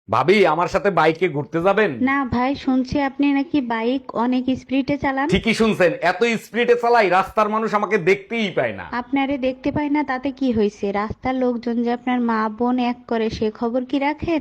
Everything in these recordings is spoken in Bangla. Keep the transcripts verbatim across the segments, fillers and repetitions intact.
ভাবি আমার সাথে বাইকে ঘুরতে যাবেন? না ভাই, শুনছি আপনি নাকি বাইক অনেক স্পিডে চালান। ঠিকই শুনছেন, এত স্পিডে চালাই রাস্তার মানুষ আমাকে দেখতেই পায় না। আপনারে দেখতে পাই না তাতে কি হয়েছে? রাস্তার লোকজন যে আপনার মা বোন এক করে সে খবর কি রাখেন?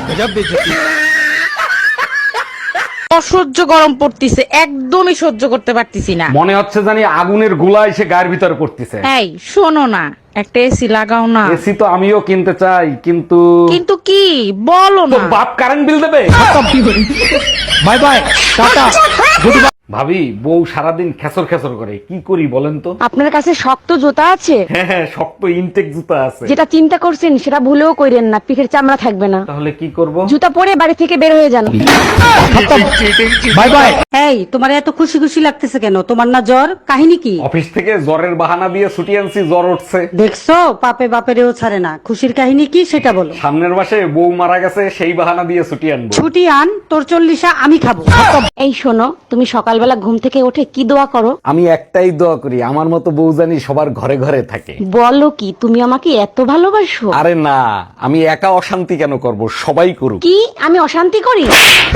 অসহ্য গরম পড়তিছে, একদমই সহ্য করতে পারতেছি না। মনে হচ্ছে জানি আগুনের গোলা এসে গায়ের ভিতরে পড়তেছে। এই শোনো না, একটা এসি লাগাও না। এসি তো আমিও কিনতে চাই, কিন্তু কিন্তু কি বলো তো না। বাপ কারেন্ট বিল দেবে। Bye bye, tata. ভাবি, বউ সারাদিন খেসর খেসর করে, কি করি বলেন তো? আপনার কাছে শক্ত জুতা আছে? হ্যাঁ হ্যাঁ, শক্ত ইনটেক জুতা আছে। যেটা চিন্তা করছেন সেটা ভুলেও কইরেন না, পিঠের চামড়া থাকবে না। তাহলে কি করব? জুতা পরে বাড়ি থেকে বের হয়ে যান। Bye bye. এই তোমার এত খুশি খুশি লাগতেছে কেন? তোমার না জ্বর? কাহিনী কি? অফিস থেকে জ্বরের বাহানা দিয়ে ছুটি আনছি, জ্বর উঠছে। দেখছো, পাপে বাপেরেও ছাড়ে না। খুশির কাহিনী কি সেটা বলো। সামনের মাসে বউ মারা গেছে, সেই বাহানা দিয়ে ছুটি আনবো। ছুটি আন, তোর চল্লিশা আমি খাবো। এই শোনো, তুমি সকালবেলা ঘুম থেকে উঠে কি দোয়া করো? আমি একটাই দোয়া করি, আমার মতো বউ জানি সবার ঘরে ঘরে থাকে। বলো কি, তুমি আমাকে এত ভালোবাসো? আরে না, আমি একা অশান্তি কেন করব, সবাই করুক। কি আমি অশান্তি করি?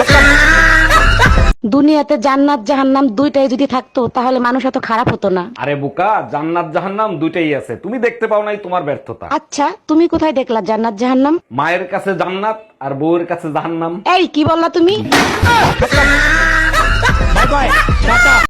দুনিয়াতে জান্নাত জাহান্নাম দুইটাই যদি থাকতো তাহলে মানুষ এত খারাপ হতো না। আরে বোকা, জান্নাত জাহান্নাম দুইটাই আছে, তুমি দেখতে পাও নাই, তোমার ব্যর্থতা। আচ্ছা, তুমি কোথায় দেখলা জান্নাত জাহান্নাম? মায়ের কাছে জান্নাত আর বউয়ের কাছে জাহান্নাম। এই কি বললা তুমি?